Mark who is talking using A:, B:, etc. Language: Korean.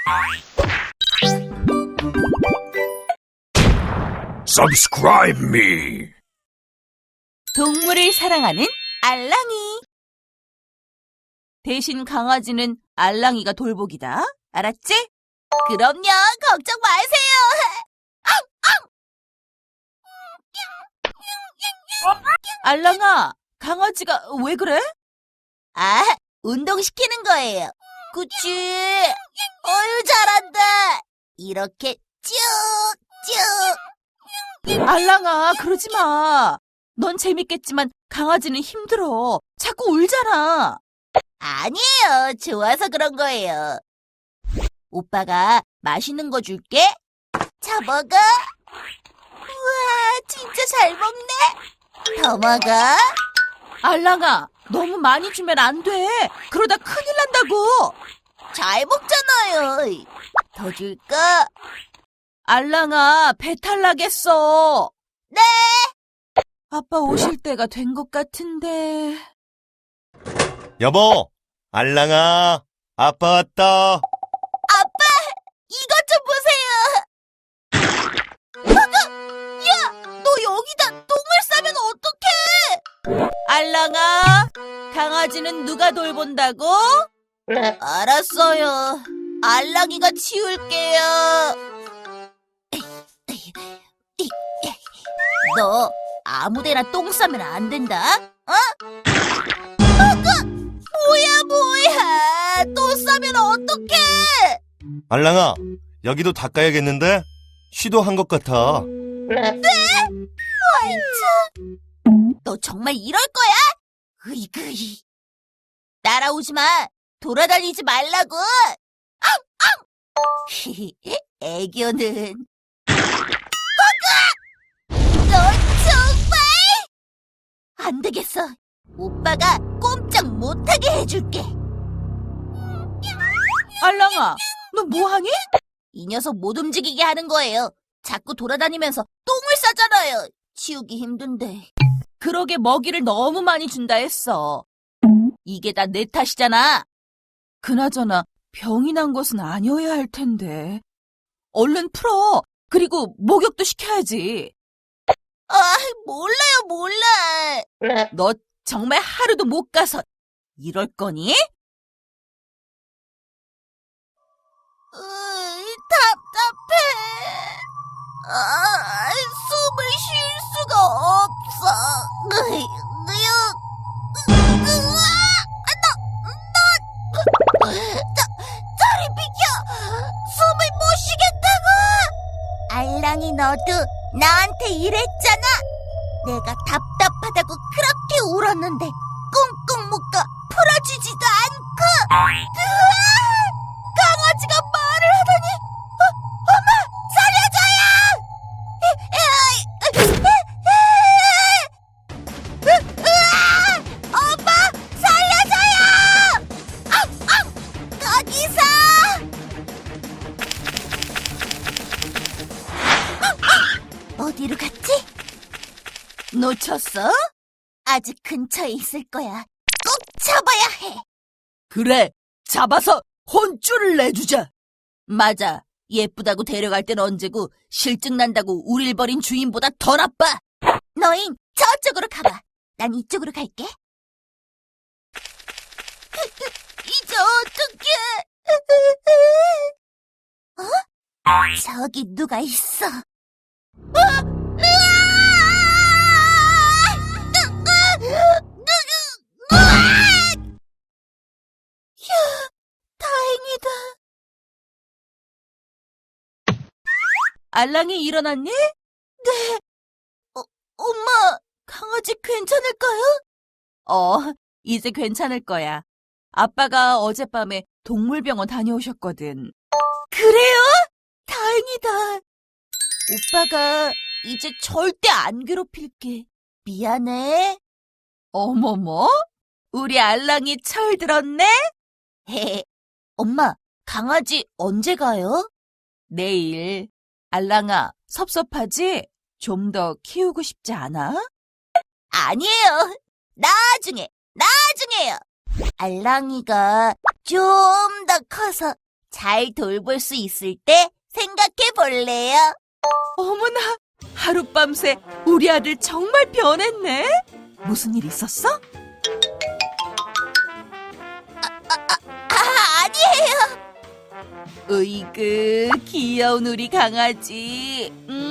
A: Subscribe me.
B: 동물을 사랑하는 알랑이. 대신 강아지는 알랑이가 돌보기다. 알았지? 그럼요. 걱정 마세요. 알랑아, 강아지가 왜 그래? 아, 운동시키는 거예요. 그치? 어유 잘한다. 이렇게 쭉쭉. 알랑아, 그러지 마. 넌 재밌겠지만 강아지는 힘들어. 자꾸 울잖아. 아니에요. 좋아서 그런 거예요. 오빠가 맛있는 거 줄게. 자, 먹어. 우와, 진짜 잘 먹네. 더 먹어. 알랑아, 너무 많이 주면 안 돼. 그러다 큰일 난다고. 잘 먹잖아요. 더 줄까? 알랑아, 배탈 나겠어. 네. 아빠 오실 때가 된 것 같은데.
C: 여보, 알랑아, 아빠 왔다.
B: 아빠, 이것 좀 보세요. 야, 너 여기다 똥을 싸면 어떡해? 알랑아, 강아지는 누가 돌본다고? 알았어요. 알랑이가 치울게요. 너 아무데나 똥 싸면 안 된다. 어? 뭐야. 또 싸면 어떡해.
C: 알랑아, 여기도 닦아야겠는데? 시도한 것 같아.
B: 너 정말 이럴 거야? 으이그이. 따라오지 마. 돌아다니지 말라고. 애교는. 너 정말? 안 되겠어. 오빠가 꼼짝 못하게 해줄게. 알랑아, 너 뭐하니? 이 녀석 못 움직이게 하는 거예요. 자꾸 돌아다니면서 똥을 싸잖아요. 치우기 힘든데. 그러게 먹이를 너무 많이 준다 했어. 이게 다 내 탓이잖아. 그나저나 병이 난 것은 아니어야 할 텐데. 얼른 풀어. 그리고 목욕도 시켜야지. 몰라. 너 정말 하루도 못 가서 이럴 거니? 답답해. 숨을 쉴 수가 없어. 저리 비켜! 숨을 못 쉬겠다고! 알랑이 너도 나한테 이랬잖아. 내가 답답하다고 그렇게 울었는데 꽁꽁 묶어 풀어주지도 않고. 강아지가 말을 하다니. 엄마, 살려줘요! 엄마, 살려줘요! 거기서! 어디로 갔지? 놓쳤어? 아직 근처에 있을 거야. 꼭 잡아야 해. 그래, 잡아서 혼쭐을 내주자. 맞아. 예쁘다고 데려갈 땐 언제고 실증 난다고 우릴 버린 주인보다 더 나빠. 너흰 저쪽으로 가봐. 난 이쪽으로 갈게. 이제 어떡해. 저기 누가 있어. 휴, 다행이다. 알랑이 일어났니? 네. 엄마, 강아지 괜찮을까요? 이제 괜찮을 거야. 아빠가 어젯밤에 동물병원 다녀오셨거든. 그래요? 다행이다. 오빠가 이제 절대 안 괴롭힐게. 미안해. 어머머, 우리 알랑이 철들었네? 엄마, 강아지 언제 가요? 내일. 알랑아, 섭섭하지? 좀 더 키우고 싶지 않아? 아니에요. 나중에요. 알랑이가 좀 더 커서 잘 돌볼 수 있을 때 생각해 볼래요? 어머나, 하룻밤새 우리 아들 정말 변했네. 무슨 일 있었어? 아니에요. 으이그, 귀여운 우리 강아지.